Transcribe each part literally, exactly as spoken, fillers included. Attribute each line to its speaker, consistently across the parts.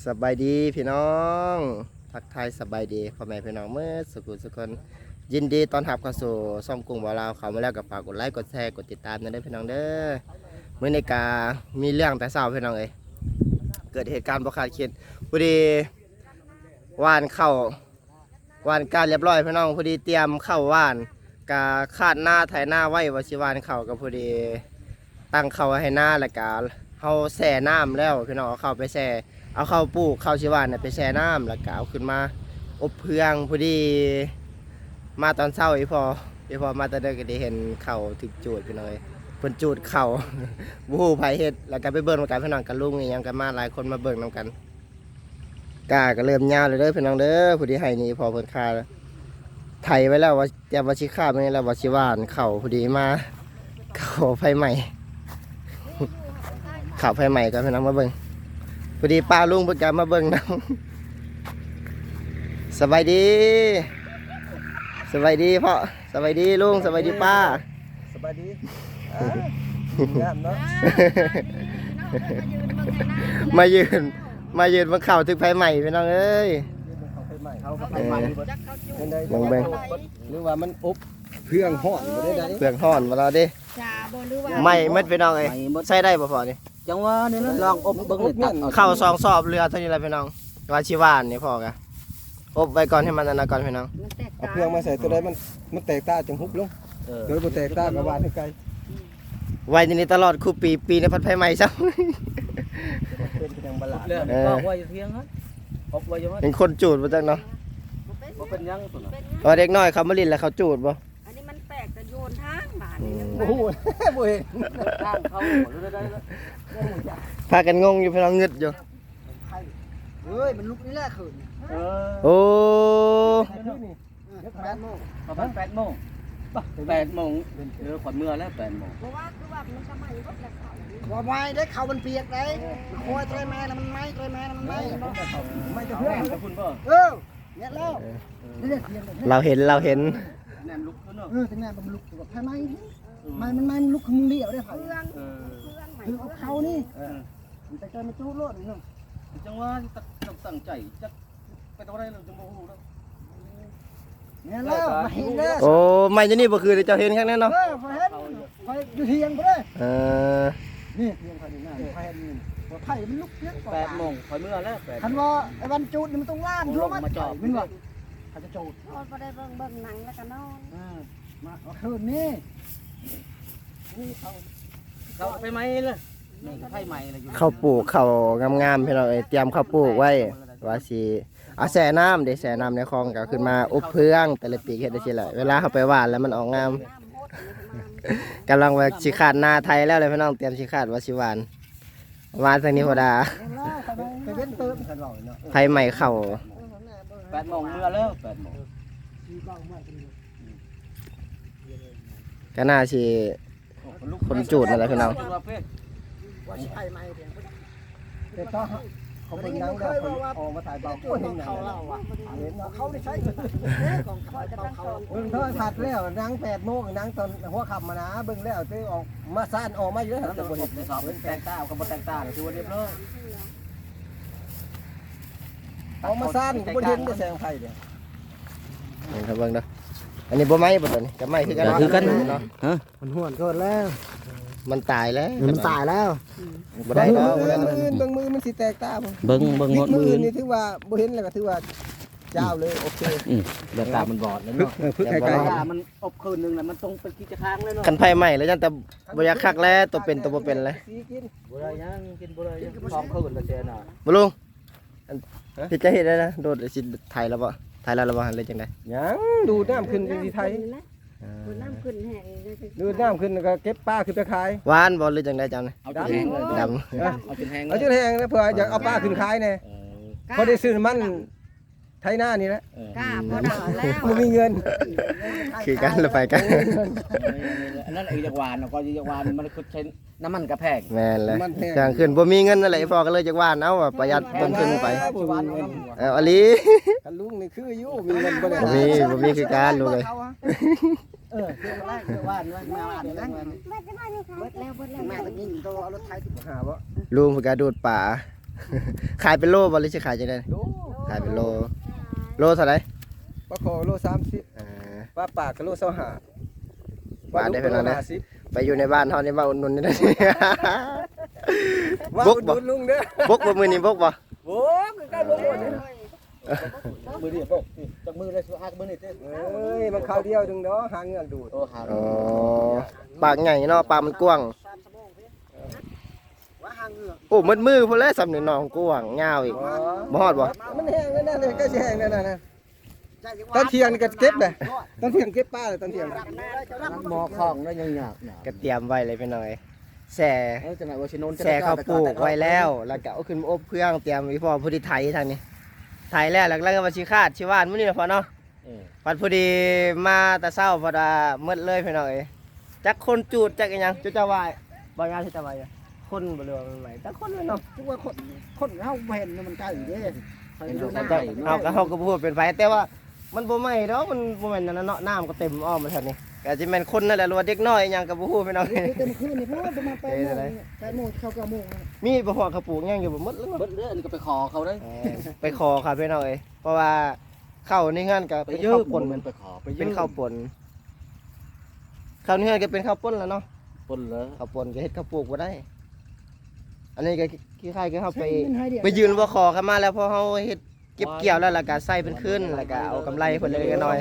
Speaker 1: บายดีพี่น้องทักทายสบายดีพ่อแม่พี่น้องเมื่อสุขุสุขคนยินดีตอนรับเข้าสู่ซ่อมกรุงบ่าวลาวเขามาแล้วกับฝากกดไลค์กดแชร์กดติดตามนะเด้อพี่น้องเด้อเมื่อในกามีเรื่องแต่เช้าพี่น้องเอ้ยเกิดเหตุการณ์บ่คาดคิดพอดีว่านเข้าว่านการเรียบร้อยพี่น้องพอดีเตรียมเข้าว่านกาคาดหน้าไถหน้าไว้ว่าสิว่านเข้าก็พอดีตั้งเข้าให้หน้าแล้วก็เฮาแช่น้ำแล้วพี่น้องเอาเข้าไปแช่เอาเข้าปลูกเข้าชิวานเนี่ยไปแช่น้ำแล้วก็เอาขึ้นมาอบเพืองพอดีมาตอนเช้าอีพออีพอมาตอนเด็กก็ได้เห็นเข่าถึกจูดพี่น้อยเพิ่นจูดเข่าบู๊ไผเฮ็ดแล้วก็ไปเบิ่งกันพี่น้องกันลุงอีหยังกันมาหลายคนมาเบิ่งนำกันกาก็เริ่มยาวเลยเด้อพี่น้องเด้อพอดีให้นี่พอเพิ่นคาไถไว้แล้วว่าจะว่าสิคาบนี่แล้วว่าสิหว่านเข่าพอดีมาเข่าไฟใหม่เข่าไฟใหม่ก็พี่น้องมาเบิ่งพอดีป้าลุงเพิ่นก็มาเบิ่งนำสบายดีสบายดีพ่อสบายดีลุงสบายดีป้า
Speaker 2: สบายดีงามเนาะ
Speaker 1: มายืนมายืนมาเข่าถึงไฟใหม่พี่น้องเอ้ย
Speaker 2: เขาไฟใหม่เขาไฟใหม่เป็นไง
Speaker 1: เบิ่งเบิ่ง
Speaker 2: หรือว่ามันอบเพื่องห่อนบ่ได้ได
Speaker 1: เปลือกห่อนมาเราดิใหม่เม็ดพี่น้องเอ้ยใส่ได้บ่พอนี่
Speaker 2: จังว่านี่นะลองอบเบิ่งเลยตัด
Speaker 1: เข้าสองสอบเรือเท่านี้แหละพี่น้องว่าชิวานนี่พอกะอบไว้ก่อนให้มันอันนั้นก่อนพี่น้อง
Speaker 2: เอาเพื่องมาใส่ตัวใดมันมันแตกตาจังฮุบลงเออโดยบ่แตกตาก็ว่าให้ไกล
Speaker 1: ไว้นี่ตลอดคู่ปีปีในพัดไฟใหม่ซะ
Speaker 2: เป็นจังบลาดแล้วก็ไว้เพียงฮะอบไว้อยู่ว่า
Speaker 1: เป็นคนจูดบ่จังเนาะ
Speaker 2: บ่เป็นยังตัวน่ะ
Speaker 1: พอเด็กน้อยเขามาลิ้นแล้วเขาจูดบ่
Speaker 3: อันนี้มันแปลกแต่โยนทางบาดนี่
Speaker 2: โอ้โหบ่เห็นทางเขาหรือได้แล้ว
Speaker 1: พากันงงอยู่พี่น้องงึดอยู่
Speaker 2: เฮ้ยมันลุกนี่แหละคืนเออ
Speaker 1: โอ้
Speaker 2: แปดโมงประมาณแปดโมงแปดโมงเออขวัญเมื่อแล้วแปดโมง
Speaker 3: เพราะว่าคือว่ามันสมัยก็แล้วเขา
Speaker 4: ว่าไม้ได้เขามันเปียกได้โคยเตยแม่น่ะมันไม้เตยแม่น่ะมันไม้
Speaker 2: ไม่จะเพื่อนกับคุณป่ะ
Speaker 4: เออเนี่ยแล้ว
Speaker 1: เราเห็นเราเห็น
Speaker 2: แนมลุกเนาะ
Speaker 4: เออแต่แม่มันลุกแบบไม้ไม้มันไม้มันลุกมึงเดี่ยวได้ไผ
Speaker 3: เพื่อนเพื่อนใหม่
Speaker 4: คือเอาเขานี่มันจะเจอมันจู้โลดนี่เนาะ
Speaker 2: จังว่าตั้งใจจะไปตรงไหนเราจะโมโหแล้ว
Speaker 4: เนี่ยแล้วมาเห็นเด้อ
Speaker 1: โอ้ไม่จะนี่บ่คือเจ้าเห็นข้างนั้นเนาะ
Speaker 4: เออพอเห็นพออยู่เทียงบ่ได้
Speaker 1: เออ
Speaker 4: นี่เทียงพอนี่น่ะพอเห็นนี่บ่ไผมันลุกเพียง
Speaker 2: แปดโมงขวัญเมื่อแล้วแปด
Speaker 4: คันว่าไอ้วันจูดนี่มันต้องล่ามอยู่มั้ยมาจอดมันว่าเขาจะจูด
Speaker 3: พอบ่ได้เบิ่งเบิ่งหนังแล้วก็นอน
Speaker 4: เออมาเอาคืนนี่นี่เขา
Speaker 2: เขาไปไหมเลยนี่ไผ่ใหม่เลยอยู่
Speaker 1: เข้าปลูกเข้างามๆพี่น้องเอ้ยเตรียมเข้าปลูกไว้ว่าสิเอาแช่น้ำเดี๋ยวแช่น้ำในคลองก็ขึ้นมาอบเพืองแต่ละปีเฮ็ดได้สิแหละเวลาเขาไปหว่านแล้วมันออกงามกำลังว่าสิขาดนาไทยแล้วเลยพี่น้องเตรียมสิขาดว่าสิหวานหวานทางนี้พอดา
Speaker 4: ไปเว้นเติมกันหน่อยเนาะ
Speaker 1: ไผใหม่เข้า
Speaker 2: แปดโมงเมื่อแล้วแปดโมง
Speaker 1: ก็น่าสิคนจูดนั่นแหละพี่น้อง
Speaker 4: ว่าสิไผใหม่แต่ก็เขาเป็นนังแล้วออกมาถ่ายเบาคนเขาเล่าอ่ะเห็นเขาได้ใช้ของเขาเขาเบิ่งเท่าผัดแล้วนังแปดโมงนังตอนหัวค่ำมานะเบิ่งแล้วตื้อออกมาซ่านออกมาเยอะแต่บ่เห็น
Speaker 2: สอบเป็นแตงต้ากับบ่แตงต้าคือว่าเรียบร้อย
Speaker 4: เอามาซ่านก็บ่เห็นได้แสงไฟเด้อ
Speaker 1: นี่ครับเบิ่งเด้ออันนี้บ่ไหม้บ่ตัวนี้ก็ไหม้คือกันคือกันเนาะฮะ
Speaker 4: มันห้วนเกิดแล้ว
Speaker 1: มันตายแล้ว
Speaker 4: มันตายแล้ว
Speaker 1: บ่ได้แล้วบ่ได้แล้ว
Speaker 4: เบิ่งมือมันสิแตกตาบ่
Speaker 1: เบิ่งเบิ่งหมดมือ
Speaker 4: นี่ถือว่าบ่เห็นแล้วก็ถือว่าเจ้าเลยโอเค
Speaker 1: อือเดี๋ยวตามันบอดแล้วเนาะ
Speaker 2: พึ่งไกลๆมันอบคืนนึงน่ะมันตรงเป็นกิจค้างเลยเนาะ
Speaker 1: กันไผใหม่แล้วจังแต่บ่อยากคักแล้วตัวเป็นตัวบ่เป็นเลย
Speaker 2: บ่ได้ยังกินบ่ได้ยังพร้อมคืนแล้วแซ่น่ะ
Speaker 1: บ่ลุงพี่จะเฮ็ดได้นะโดดสิไทยแล้วบ่ไทยแล้วแล้วบ่เลยจังได๋
Speaker 4: ยังดูน้ำขึ้นที่ไทย
Speaker 3: ดูน้ำขึ้นแห้ง
Speaker 4: ดูน้ำขึ้นก็เก็บปลาขึ้นไปขาย
Speaker 1: หวานบ่หรือจังได๋จังนี่
Speaker 2: เอาจนแห้งเลย
Speaker 1: ดำ
Speaker 2: เอาจนแห้ง
Speaker 4: เอาจนแห้งแล้วเพื่ออยากเอาปลาขึ้นขายแน่พอได้ซื้อมันไทยหน้านี่แหละ
Speaker 3: กล้าพอได้แล้ว
Speaker 4: บ่มีเงิน
Speaker 1: คือกันแล้วไปกัน
Speaker 2: อันนั้นไอ้จักวานก็จักวานมันคือใช้น้ำมันกระแพง
Speaker 1: แม่นเลยจังขึ้นบ่มีเงินอะไรพอก็เลยจักหวานเอาประหยัดต้นทุนไปเอออลี
Speaker 4: กันลุงนี่คืออยู่มีเงินบ่ได้
Speaker 1: บ่มีบ่มีคือการลูกเอ้ย
Speaker 4: เออคือว่าคือว่ามาว่านั่น
Speaker 3: เบิดแล้วเบิดแล้ว
Speaker 4: แม่ตะกี้ตัวเอารถไถสิบห้าบ่
Speaker 1: ลุงเพิ่นก็ดูดป่าขายเป็นโลบ่หรือสิขายจังได๋
Speaker 4: โล
Speaker 1: ขายเป็นโลโลเท่าไหร่
Speaker 4: ปลาคอโลสามสิบ
Speaker 1: เออ
Speaker 4: ปลาปากก็โลเศร้าหา
Speaker 1: ปลาได้เป็นอะไรนะ
Speaker 4: ห้าสิบ
Speaker 1: ไปอยู่ในบ้านเฮานี่มาอุดหนุนนี่ได้
Speaker 4: ว่า
Speaker 1: บก
Speaker 4: อุด
Speaker 1: บ่
Speaker 4: หนุนลุงเด้อบ
Speaker 1: กบ่มื้อนี้บกบ่
Speaker 4: โอ้คือการบกบ่เนี่ยมือเดียวบกจากมือเลยสุหักมือนี่เต้เอ้ยมันข้าวเดียวดึงเนาะหางเงือกดูดโอ้หา
Speaker 1: อ๋อปากใหญ่เนาะปากมันกว้าง
Speaker 4: ว่าหางเงือก
Speaker 1: โอ้มืดมือพุ่นแล้วสำนึกน้องกว้างยาวอีกบ่ฮอดบ่
Speaker 4: มันแห้งแล้วนั่นเลยก็สิแห้งแล้วนั่นน่ะตอนเที่ยงนี่ก็เก็บเลยตอนเที่ยงเก็บปลาเลยตอนเที่ยงหมอของแล้วยังหยาบหนา
Speaker 1: ก็เตรียมไว้เลยพี่น้อยแส่
Speaker 4: เอ้ยจังไหนว่าชิโนน
Speaker 1: แส่ข้าวปลูกไว้แล้ว แล้วก็เอาขึ้นมาอบเครื่องเตรียมไว้พอผู้ที่ไถทางนี้ไถแล้วแล้วก็มาสิคาดสิว่านมื้อนี้ล่ะพอเนาะปัดพอดีมาแต่เช้าพอดามืดเลยพี่น้อยจักคนจูดจักอีหยังจุดจะวายบ่งานที่จะวายคนบ่เรือมันไหลจักคนเลยเนาะ
Speaker 4: ทุกว่าคนคนเฮาบ่เห็นมันใกล้เด้เห็นดูหน้า
Speaker 1: เอาก็เฮาก็บ่พูดเป็นไผแต่ว่ามันบ่ไหม้ดอกมันบ่แม่นนั่นน่ะเนาะน้ำก็เต็มอ้อมมาแถวนี้ก็สิแม่นคนนั่นแหละหรือว่าเด็กน้อยอีหยังก็บ่ฮู้พี่น้อง
Speaker 4: เต็มคืนนี่เพราะว่าประมาณแปดโมงแปดโมงเข้าเก้าโมง
Speaker 1: มีบ่ฮอดเขาปลูกหยังอยู่บ่หมดแล้วเนาะ
Speaker 2: เบิดเด้ออันนี้ก็ไปขอเขาได้
Speaker 1: เออไปขอครับพี่น้องเอ้ยเพราะว่าข้าวนี่งานก็
Speaker 2: ไป
Speaker 1: เป็น
Speaker 2: ยื
Speaker 1: ข้าว
Speaker 2: ม
Speaker 1: ป่น
Speaker 2: มันไปขอไปยืม
Speaker 1: เป็นข้าวป่นข้าวนี่งานก็เป็นข้าวป่นแล้วเนาะ
Speaker 2: ปนเลย
Speaker 1: ข้าวป่นก็เฮ็ดข้าวปลูกบ่ได้ อันนี้ก็คล้ายๆก็เฮาไปไปยืนว่าขอกันมาแล้วพอเฮาเฮ็ดเก็บเกี่ยวแล้วแล้วก็ใส่เป็นคืนแล้วก็เอากำไรเพิ่นเล็กๆน้อย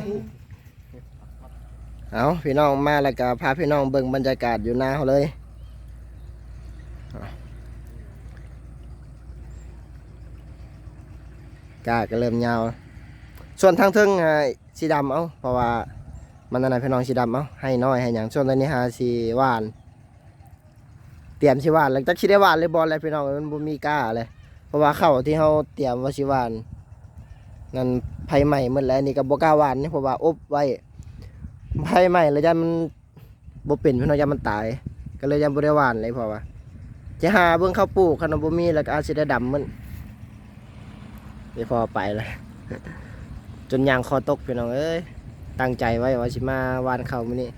Speaker 1: ๆเอาพี่น้องมาแล้วก็พาพี่น้องเบิ่งบรรยากาศอยู่หน้าเฮาเลยกาก็เริ่มยาว ส่วนทางเทิงอ่าสีดำเอาเพราะว่ามันนั่นน่ะพี่น้องสีดำเอาให้น้อยให้หยังส่วนตอนนี้หาสีหวาน เตรียมสิหวานแล้วจักสิได้หวานเลยบ่อะไรพี่น้องมันบ่มีกล้าเลยเพราะว่าข้าวที่เฮาเตรียมว่าสิหวานนั่นไผใหม่หมดแล้วอันนี่ก็บ่กล้าหวานนี่เพราะว่าอบไว้ไผใหม่แล้วยันมันบ่เป็นพี่น้องยันมันตาย ก็เลยยังบ่ได้หวานเลยเพราะว่าจะหาเบิ่งข้าวปลูกคันบ่มีแล้วก็อาจสิได้ดำมันนี่พอไปแล้ว จนยางคอตกพี่น้องเอ้ยตั้งใจไว้ว่าสิมาวานข้าวมื้อนี้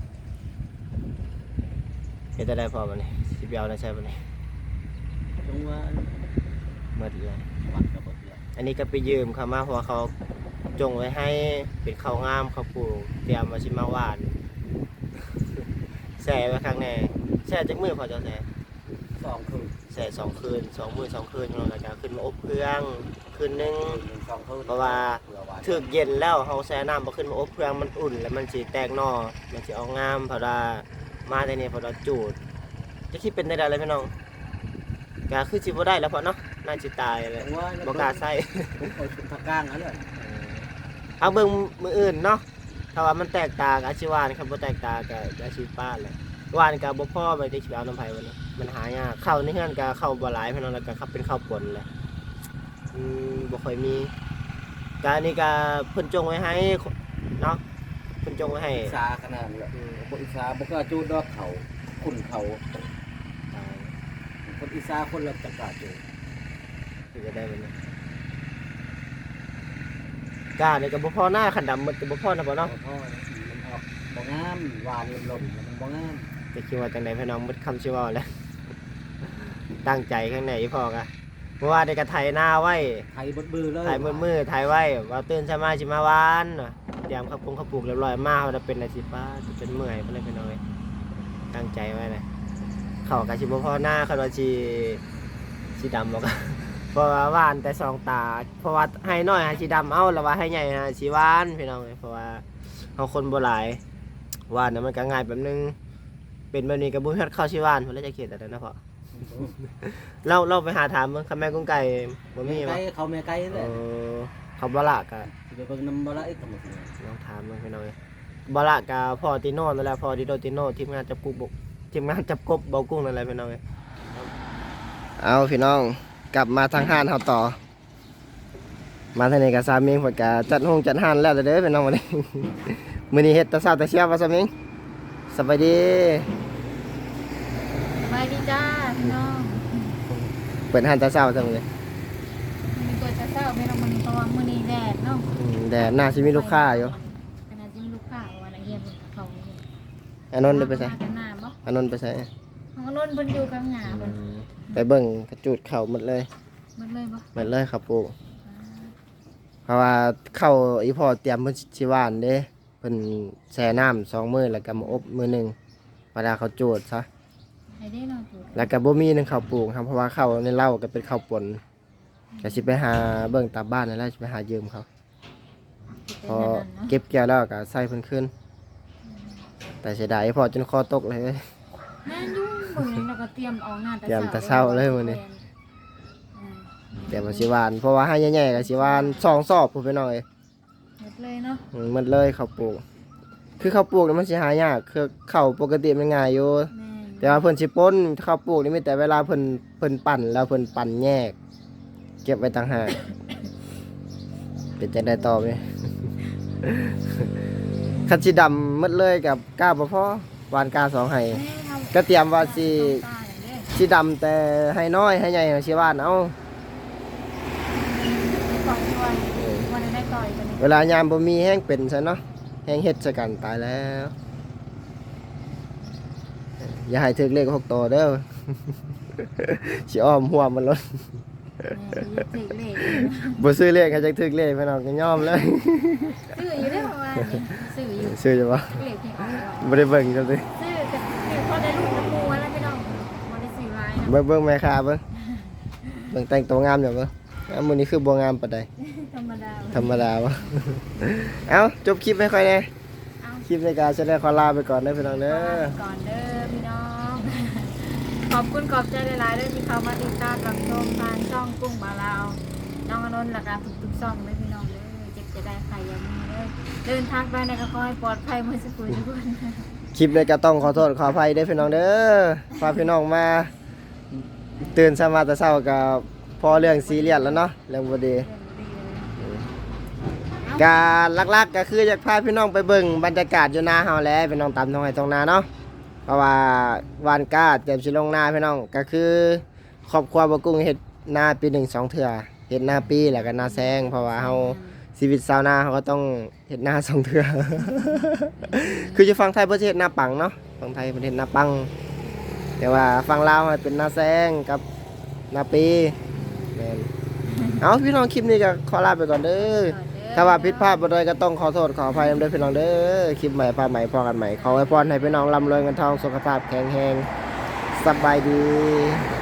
Speaker 1: เฮ็ดได้พอบ่นี่สิไปเอาได้ใช่บ่นี่
Speaker 2: ตรงว่า
Speaker 1: หมดเลย
Speaker 2: วัดก็เบิดเลย
Speaker 1: อันนี้ก็ไปยืมเขามาเพราะว่าเขาจงไว้ให้เป็นข้าวงามข้าวปลูกเตรียมมาชิมาหวาน แส่ไว้ข้างในแส่จักมือพอจะแส่
Speaker 2: สองคืน
Speaker 1: แส่สองคืนสองมือสองคืนแล้วก็ขึ้นมาอบเครื่องคืนหนึง
Speaker 2: สองคืน
Speaker 1: เพราะว่าถึกเย็นแล้วเขาแช่น้ำมาขึ้นมาอบเครื่องมันอุ่นแล้วมันสีแตกหนอมันจะเอางามเพราะว่ามาในนี้เพราะว่าจูดจะคิดเป็นได้ไรพี่น้องก็คือสิบ่ได้แล้วเพราะเนาะน่าจะตายเลย
Speaker 2: ว่า
Speaker 1: บ่กล้าใส่
Speaker 2: เอาชุดผักก้างนั่นเลย
Speaker 1: เอาเบิ่งมืออื่นเนาะถ้าว่ามันแตกต่างอาชีวานครับบ่แตกต่างกับอาชีพป้าเลยวานกับบ่พ่อไปที่สิเอาน้ำไผวันนี้มันหายากเข้าในเฮือนก็เข้าบ่หลายพี่น้องแล้วก็ครับเป็นข้าวป่นเลยอืมบ่ค่อยมีการนี้ก็เพิ่นจงไว้ให้เนาะเพิ่นจงไว้ให้
Speaker 2: อิสาขนาดเลยบอิสาบกล้าจูดดอกเขาขุนเขาคนอิสาคนละจักรจูด
Speaker 1: คือจะได้บ่เนี่ยกานี่ก็บ่พอหน้าขันดำหมดก็บ่พอนะบ่เนาะ
Speaker 2: พ่อมันออกบ่งามหวานลมๆมันบ่งาม
Speaker 1: จะคิดว่าจังได๋พี่น้องหมดคำสิเว้าแล้ว ตั้งใจข้างในอีพ่อกะเพราะว่าได้กระไถนาไว้
Speaker 2: ไทยบดบือเลย
Speaker 1: ถ่ายมือมือถ่ายไว้ว่าตื่นเช้ามาสิมาวานน่ะเตรียมข้าวปรุงข้าวปลูกเรียบร้อยมาว่าจะเป็นอาชีพป้าจะเป็นเมื่อยไปเลยไปหน่อยตั้งใจไว้เลยเขากะสิบ่พอหน้าคันว่าสิสิดำบอก เพราะว่าหวานแต่สองตาเพราะว่าให้น้อยหาสิดำเอาแล้วว่าให้ใหญ่หาสิหวานพี่น้องเอ้ยเพราะว่าเฮาคนบ่หลายหวานน่ะมันก็ง่ายแบบนึงเป็นแบบนี้ก็บ่ฮู้ข้าวสิหวานเพิ่นเลยจะเขียนแต่นั้นนะพ่อ เราเราไปหาถามเบิ่งคำแม่กุ้งไก่บ่มี
Speaker 2: ไก่
Speaker 1: บ่
Speaker 2: เขาแม่ไก่
Speaker 1: เอ
Speaker 2: เลย
Speaker 1: อเขาบ่ละกะ
Speaker 2: สิไปเบิ่งน้ำบ่ละอีกก็บ่
Speaker 1: ลองถามมันพี่น้อยบาระกาพอติโน่นั่นแหละพอติโดติโน่ทีมงานจับกุบทีมงานจับกบเบากุ้งนั่นแหละพี่น้องเอาพี่น้องกลับมาทางห้านเฮาต่อ มาทางนี้กับสามีเพิ่นก็จัดห้องจัดห้านแล้วเด้อพี่น้องวันนี้ มื้อนี้เฮ็ดแต่เช้าแต่เช้าว่าสามีสบายดี
Speaker 3: สบายดีจ้าพี่น้อง
Speaker 1: เปิดห้านแต่เช้าจังเลย
Speaker 3: มีตัวจะเศร้าไม่ต้องมันเพราะว่ามื้อนี้แดดเนาะ
Speaker 1: อืมแดดน่าสิมีลูกค้าอยู่
Speaker 3: ขณะที่มีลูกค้าว่าละเอียดเขา
Speaker 1: อานนท์ได้ไปไส
Speaker 3: มากันหน้าบ่
Speaker 1: อานนท์ไปไส
Speaker 3: ของนนท์เพิ่นอยู่กลางหน้า
Speaker 1: อื
Speaker 3: เพิ่น
Speaker 1: มไปเบิ่งกระจูดเข่าหมดเลย
Speaker 3: มันเลยบ่
Speaker 1: หมดเลยข้าวปลูกเพราะว่าข้าวอีพ่อเตรียมเพิ่นสิหว่านเด้เพิ่นแช่น้ำสองมื้อแล้วก็มาอบมื้อหนึงเวลาเขาโจดซะ
Speaker 3: ให้ได้เนาะถูก
Speaker 1: แล้วก็บ่มีหนึงข้าวปลูกครับเพราะว่าข้าวในเล่าก็เป็นข้าวป่นก็สิไปหาเบิ่งตามบ้านนั่นแหละสิไปหายืมเขาพอเก็บเกี่ยวแล้วก็ใส่เพิ่นขึ้นแต่เสียดายพอจนคอตกเลย
Speaker 3: แม่นอยู่มื้อนึงแล้วก็เตรียมออกงาน
Speaker 1: เตรียมแต่เช้าเลยมื้อนี้ เดี๋ยวมาสิหวานเพราะว่าให้ใหญ่ๆก็สิหวานสองซอบพุ่นไปหน่อย
Speaker 3: หมดเลยเนาะ
Speaker 1: อืมหมันเลยข้าวปลูกคือข้าวปลูกนี่มันสิหายากคือข้าวปกติมันง่ายอยู่
Speaker 3: แม่น
Speaker 1: แต่ว่าเพิ่นสิป่นข้าวปลูกนี่มีแต่เวลาเพิ่นเพิ่นปั่นแล้วเพิ่นปั่นแยก เก็บไว้ต่างหากเป็นจังได๋ต่อไหม คันสิดำหมดเลยกับกาบ่พอหวานกาสองให้
Speaker 3: แม่ทำ
Speaker 1: ก็เตรียมว่าสิ
Speaker 3: ตาอย่างเด้อ
Speaker 1: สิดำแต่ให้น้อยให้ใหญ่สิหวานเอา
Speaker 3: ก่อนด้วยวันได้ต่อยกันนี่
Speaker 1: เวลายามบ่มีแห้งเป็นซะเนาะแห้งเฮ็ดซะกันตายแล้วอย่าให้ถึกเลขหกตัวเด้อ สิอ้อมหัวมันลด
Speaker 3: แม่ยึดถือเลข
Speaker 1: บ่ซื้อเลขให้จักถึกเลขพี่น้องก็ยอมเลย
Speaker 3: ซื้ออยู่ได้ประมาณนี้ซื้ออยู่
Speaker 1: ซื้ออยู่บ่
Speaker 3: เลขที่ออก
Speaker 1: บ่ได้เบิ่งจังซี่
Speaker 3: ซื้อแต่ซื้อพอได้ลูกน้ำมูแล้วพี่น้องบ่ได้ซื้อหลายนะ
Speaker 1: เบิ่งเบิ่งแม่ค้าเบิ่งเบิ่งแต่งตัวงามอยู่เบิ่งอ้าวมื้อนี้คือบ่งามปานใด
Speaker 3: ธรรมดา
Speaker 1: ธรรมดาบ่ เอ้าจบคลิปให้ค่อยแน่
Speaker 3: เอา
Speaker 1: คลิปในการแสดงขอลาไปก่อนเด้อพี่น้องเด้อ
Speaker 3: ก่อนเด้อพี่น้อง ขอบคุณขอบใจหลายๆด้วยที่เข้ามาติดตามรับชมทางช่องกุ้งบาลาวน้องอนนท์และการทุกๆช่องเลยพี่น้องเด้อเจ็บจะได้ใครยังมีเด้อเดินทางไปในกระคอยปลอดภัยเมื่อสักครู่ทุกคน
Speaker 1: คลิปนี้ก็ต้องขอโทษขออภัยเด้อพี่น้องเด้อพาพี่น้องมาตื่นสมาแต่เช้าก็พอเรื่องซีเรียสแล้วเนาะเรื่องบ่ดี การลักๆก็คืออยากพาพี่น้องไปเบิ่งบรรยากาศอยู่นาเฮาแหล้วพี่น้องตามท้องไร่ท้องนาเนาะเพราะว่าวานกาเตรียมสิลงนาพี่น้องก็คือครอบครัวบ่กุ้งเฮ็ดนาปีหนึ่งสองเทื่อเฮ็ดนาปีแล้วก็นาแซงเพราะว่าเฮาชีวิตชาวนาเฮาก็ต้องเฮ็ดนาสองเทื่อ คืออยู่ฝั่งไทยเพิ่นสิเฮ็ดนาปังเนาะฝั่งไทยเพิ่นเฮ็ดนาปัง แต่ว่าฝั่งลาวมันเป็นนาแซงกับนาปีแม่นเอาพี่น้องคลิปนี้ก็ขอลาไปก่อนเด้อ ถ้าว่าผิดพลาดบ่ได้ก็ต้องขอโทษขออภัยนำเด้อพี่น้องเด้อคลิปใหม่พาใหม่พอกันใหม่ขออวยพรให้พี่น้องร่ำรวยเงินทองสุขภาพแข็งแรงสบายดี